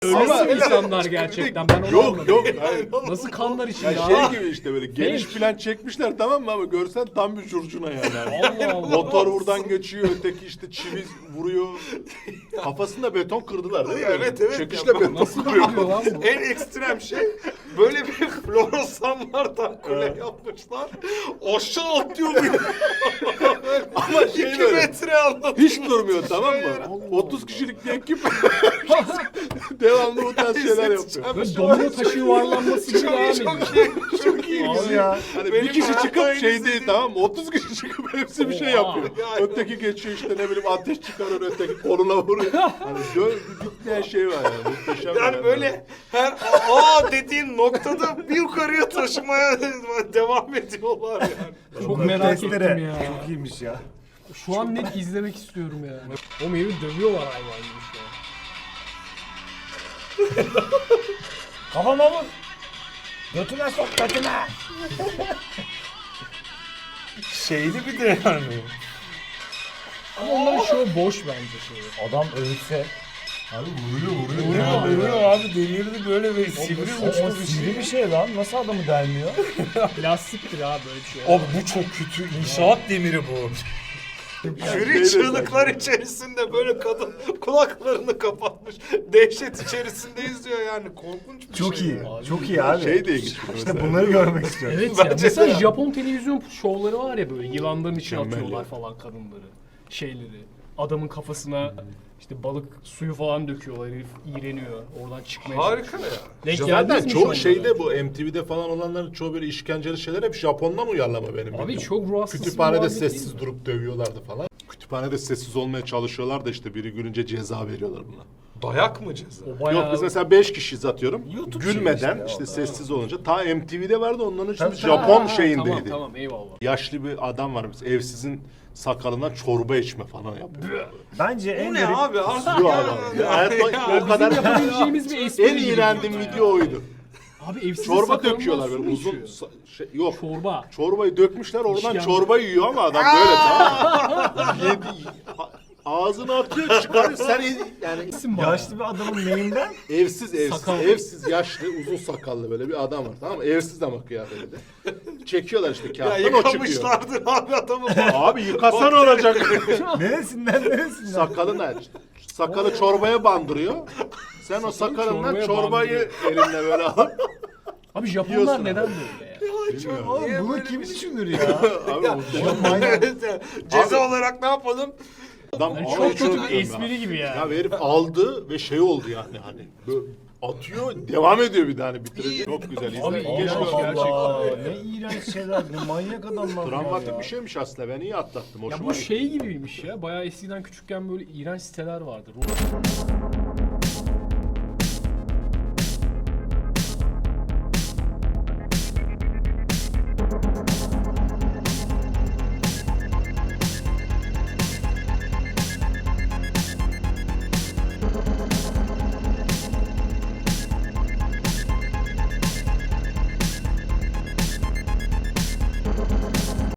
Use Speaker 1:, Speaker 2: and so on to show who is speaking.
Speaker 1: Ölüsü insanlar gerçekten. Ben onu
Speaker 2: Yok
Speaker 1: anladım.
Speaker 2: yok. Hayır.
Speaker 1: Nasıl kanlar içinde
Speaker 2: Ya
Speaker 1: abi?
Speaker 2: şey gibi işte böyle geniş plan çekmişler tamam mı ama görsen tam bir curcuna yani.
Speaker 1: Allah Allah.
Speaker 2: Motor buradan geçiyor, öteki işte çivi vuruyor. Kafasında beton kırdılar değil mi?
Speaker 3: Evet, evet.
Speaker 2: Çekişle
Speaker 3: Ya,
Speaker 2: beton
Speaker 1: Nasıl
Speaker 2: kırıyor.
Speaker 1: kırıyor lan bu?
Speaker 3: En ekstrem şey böyle bir floresanlardan kule yapmışlar. Aşağı atlıyor bir.
Speaker 2: Ama
Speaker 3: 2
Speaker 2: şey böyle
Speaker 3: metre anlatıyor.
Speaker 2: hiç durmuyor tamam mı? 30 kişilik bir ekip devamlı bu tarz şeyler yapıyor.
Speaker 1: Böyle domino taşı yuvarlanması gibi abi.
Speaker 3: Çok iyi.
Speaker 1: Abi
Speaker 2: ya. Hani
Speaker 3: Benim
Speaker 2: bir kişi çıkıp
Speaker 3: hayatta
Speaker 2: şey
Speaker 3: en
Speaker 2: değil tamam mı? 30 kişi çıkıp hepsi bir şey
Speaker 1: Oha.
Speaker 2: yapıyor. Öteki geçiyor işte ne bileyim ateş çıkarır öteki koluna vuruyor. Hani bitmeyen şey var yani. Muhteşem.
Speaker 3: Yani böyle her dediğin noktada bir yukarıya taşımaya devam ediyorlar yani.
Speaker 1: Çok merak
Speaker 4: Testere.
Speaker 1: ettim ya.
Speaker 4: Çok iyiymiş ya.
Speaker 1: Şu an net izlemek istiyorum yani. O meyve dövüyorlar hayvan gibi şu an.
Speaker 4: Kafama vur. Götüne sok götüne.
Speaker 3: Şeyli bir de yani.
Speaker 1: Ama onların şovu boş bence şey.
Speaker 4: Adam ölse.
Speaker 2: Abi vuruyor.
Speaker 3: Vuruyor abi delirdi böyle bir sivri
Speaker 4: O
Speaker 3: uçlu bir
Speaker 4: sivri
Speaker 3: şey.
Speaker 4: bir şey lan. Nasıl adamı delmiyor?
Speaker 1: Plastiktir abi böyle bir şey.
Speaker 3: Abi bu çok kötü. İnşaat demiri bu. Jüri
Speaker 2: şey de
Speaker 3: çığlıklar içerisinde böyle kadın kulaklarını kapatmış. Dehşet içerisinde izliyor yani. Korkunç bir
Speaker 4: Çok
Speaker 3: şey.
Speaker 4: iyi.
Speaker 3: ya.
Speaker 4: Çok iyi abi.
Speaker 2: Şey de ilginç.
Speaker 4: İşte bunları görmek istiyorum.
Speaker 1: Evet ya.
Speaker 3: Bence
Speaker 1: Mesela
Speaker 3: de.
Speaker 1: Japon televizyon şovları var ya böyle yılanların içine
Speaker 2: Mükemmel
Speaker 1: atıyorlar
Speaker 2: ya.
Speaker 1: falan kadınları. Şeyleri. Adamın kafasına işte balık suyu falan döküyorlar. Herif iğreniyor. Oradan çıkmaya
Speaker 3: Harika
Speaker 1: çalışıyor.
Speaker 3: ya.
Speaker 1: Denk
Speaker 2: Zaten
Speaker 1: geldiniz mi
Speaker 2: çoğu
Speaker 1: şovlara?
Speaker 2: şeyde bu MTV'de falan olanların çoğu böyle işkenceli şeyler hep Japon'dan uyarlama benim
Speaker 1: Abi
Speaker 2: bildiğim.
Speaker 1: çok ruh hastası bir
Speaker 2: Kütüphanede
Speaker 1: muhabbet değil
Speaker 2: sessiz
Speaker 1: mi?
Speaker 2: durup dövüyorlardı falan. Kütüphanede sessiz olmaya çalışıyorlar da işte biri gülünce ceza veriyorlar buna.
Speaker 3: Dayak mı ceza?
Speaker 1: O bayağı...
Speaker 2: Yok biz mesela 5 kişiyiz atıyorum.
Speaker 4: YouTube
Speaker 2: Gülmeden
Speaker 4: şeyi işte
Speaker 2: işte
Speaker 4: ya,
Speaker 2: sessiz olunca. Ta MTV'de vardı onların için
Speaker 4: Tabii,
Speaker 2: Japon
Speaker 1: Ha,
Speaker 2: şeyindeydi.
Speaker 1: Tamam eyvallah.
Speaker 2: Yaşlı bir adam var biz evsizin sakalından çorba içme falan yapıyor.
Speaker 4: Bence en
Speaker 3: Bu ne
Speaker 4: garip...
Speaker 3: abi? Artık
Speaker 2: Yok
Speaker 3: ya.
Speaker 2: adam. Ya hayatta o kadar
Speaker 1: Yapabileceğimiz bir espri
Speaker 2: en
Speaker 1: gibi
Speaker 2: iğrendiğim
Speaker 1: burada ya.
Speaker 2: video oydu.
Speaker 1: Abi evsiz
Speaker 2: Çorba
Speaker 1: sakalından
Speaker 2: döküyorlar
Speaker 1: su
Speaker 2: böyle
Speaker 1: mu
Speaker 2: uzun
Speaker 1: içiyor?
Speaker 2: yok.
Speaker 1: Çorba.
Speaker 2: Çorbayı dökmüşler oradan
Speaker 1: İşkembe.
Speaker 2: çorba yiyor ama adam böyle tamam. Ağzına atıyor çıkarıyor sen yani
Speaker 1: İsim bana.
Speaker 4: Yaşlı bir adamın neyinden?
Speaker 2: evsiz
Speaker 1: Sakal.
Speaker 2: evsiz yaşlı uzun sakallı böyle bir adam var tamam mı? Evsiz ama kıyafetinde. Çekiyorlar işte
Speaker 3: Ya
Speaker 2: kağıttan o çıkıyor.
Speaker 3: yıkamışlardır abi adamı.
Speaker 2: Abi yıkasan olacak.
Speaker 4: Neresinden?
Speaker 2: Sakalını aç. Sakalı çorbaya bandırıyor. Sen o sakalından
Speaker 1: çorbaya
Speaker 2: çorbayı elinle böyle al.
Speaker 1: Abi Japonlar
Speaker 2: Yiyorsun
Speaker 1: neden
Speaker 2: abi.
Speaker 1: böyle ya?
Speaker 2: Bilmiyorum.
Speaker 4: Oğlum
Speaker 3: Niye
Speaker 4: bunu
Speaker 3: böyle
Speaker 4: kim
Speaker 3: bir şey?
Speaker 4: düşünür ya?
Speaker 2: Abi muhtemelen.
Speaker 3: Evet ya. Ceza olarak ne yapalım?
Speaker 2: Adam
Speaker 1: Yani
Speaker 2: ama
Speaker 1: çok
Speaker 2: hiç
Speaker 1: kötü bir
Speaker 2: unutmuyorum
Speaker 1: espri gibi ya.
Speaker 2: Ya herif aldı ve şey oldu yani hani böyle atıyor devam ediyor bir tane bitirecek. Çok güzel izle.
Speaker 1: Abi,
Speaker 2: Keşke
Speaker 1: iğrenç
Speaker 2: öyle
Speaker 1: gerçekten.
Speaker 4: Allah, ne iğrenç şeyler, ne manyak adamlar
Speaker 2: Travmatik
Speaker 4: ya.
Speaker 2: bir şeymiş aslında ben iyi atlattım.
Speaker 1: Ya
Speaker 2: Hoşuma
Speaker 1: bu
Speaker 2: gitti.
Speaker 1: şey gibiymiş ya. Bayağı eskiden küçükken böyle iğrenç siteler vardı.